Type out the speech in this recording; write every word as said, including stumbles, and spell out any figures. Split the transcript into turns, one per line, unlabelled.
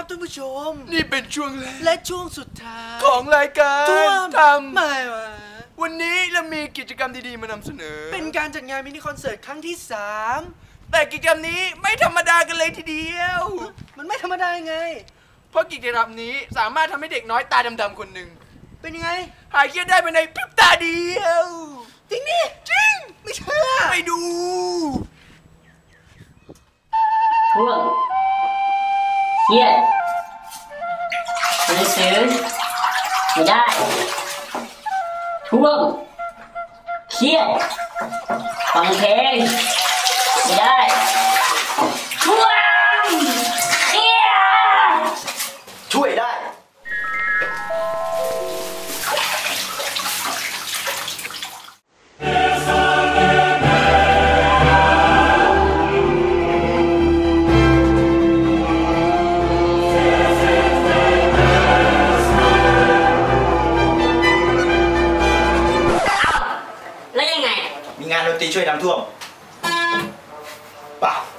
ครับท่านผู้ชม
นี่เป็นช่วงแรก
และช่วงสุดท้าย
ของรายการทำ
ไม่วะ
วันนี้เรามีกิจกรรมดีๆมานำเสนอ
เป็นการจัดงานมินิคอนเสิร์ตครั้งที่สาม
แต่กิจกรรมนี้ไม่ธรรมดากันเลยทีเดียว
มันไม่ธรรมดาไง
เพราะกิจกรรมนี้สามารถทำให้เด็กน้อยตาดำๆคนหนึ่ง
เป็นยังไง
หายเครียดได้ภายในพริบตาเดียว
จริงดิ
จริง
ไม่เชื่อ
ไปดู
ช่วงเครียดหนังสือไม่ได้ช่วงเครียดฟังเพลงไม่ได้ช่วงเครียด
ช่วยได้
แล้วยังไง
มีงานดนตรีช่วยน้ำท่วมป่ะ